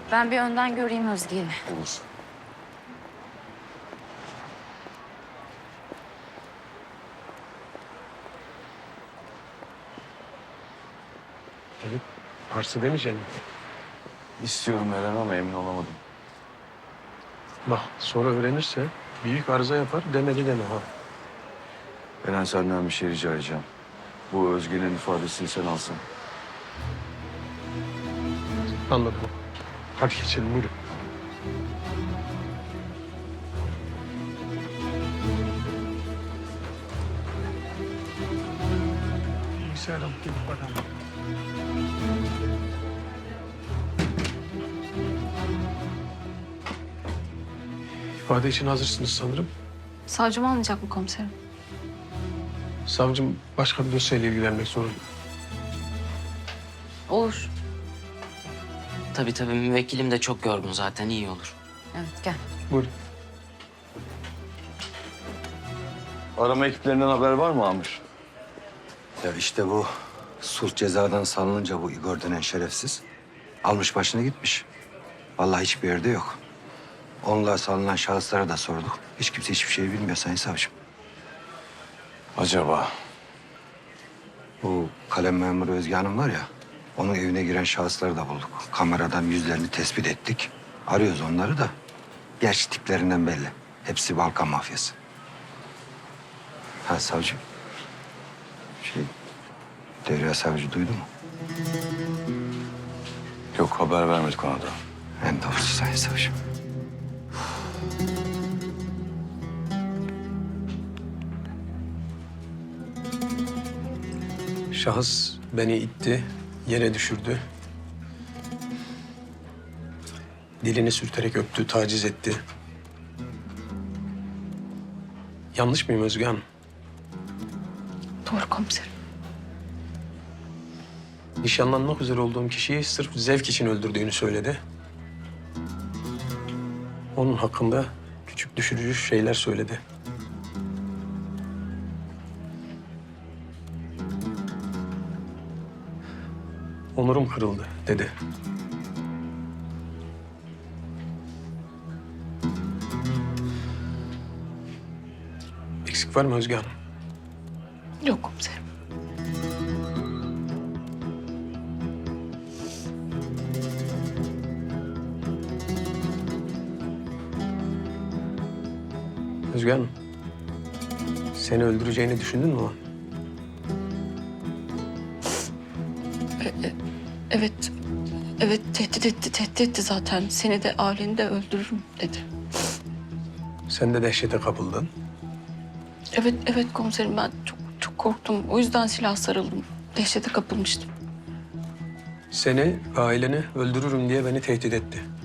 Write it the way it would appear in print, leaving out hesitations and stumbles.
Ben bir önden göreyim Özge'yi. Olur. Evet. Arsı demeyeceksin. İstiyorum Eren ama emin olamadım. Bak sonra öğrenirse büyük arıza yapar demedi deme ha. Eren senden bir şey rica edeceğim. Bu Özge'nin ifadesini sen alsın. Anladım. Hadi geçelim buyurun. Bilgisayar alıp gelip bakalım. İfade için hazırsınız sanırım. Savcım almayacak mı komiserim? Savcım başka bir dosyayla ilgilenmek zorunda. Olur. Tabii müvekkilim de çok yorgun zaten iyi olur. Evet gel. Buyurun. Arama ekiplerinden haber var mı Amir? Ya işte bu sulh cezadan salınınca bu Igor denen şerefsiz almış başına gitmiş. Vallahi hiçbir yerde yok. Onunla salınan şahıslara da sorduk. Hiç kimse hiçbir şey bilmiyor Sayın Savcım. Acaba? Bu kalem memuru Özge Hanım var ya, onun evine giren şahısları da bulduk. Kameradan yüzlerini tespit ettik. Arıyoruz onları da. Gerçi tiplerinden belli. Hepsi Balkan mafyası. Ha savcım. Derya Savcı duydu mu? Yok haber vermedik ona da. En doğrusu Sayın Savcım. Şahıs beni itti, yere düşürdü. Dilini sürterek öptü, taciz etti. Yanlış mıyım Özge Hanım? Doğru komiserim. Nişanlanmak üzere olduğum kişiyi sırf zevk için öldürdüğünü söyledi. Onun hakkında küçük düşürücü şeyler söyledi. Onurum kırıldı dedi. Eksik var mı Özge Hanım? Yok komiserim. Özge Hanım, seni öldüreceğini düşündün mü o? Evet. Evet tehdit etti zaten. Seni de aileni de öldürürüm dedi. Sen de dehşete kapıldın. Evet komiserim ben çok korktum. O yüzden silah sarıldım. Dehşete kapılmıştım. Seni, aileni öldürürüm diye beni tehdit etti.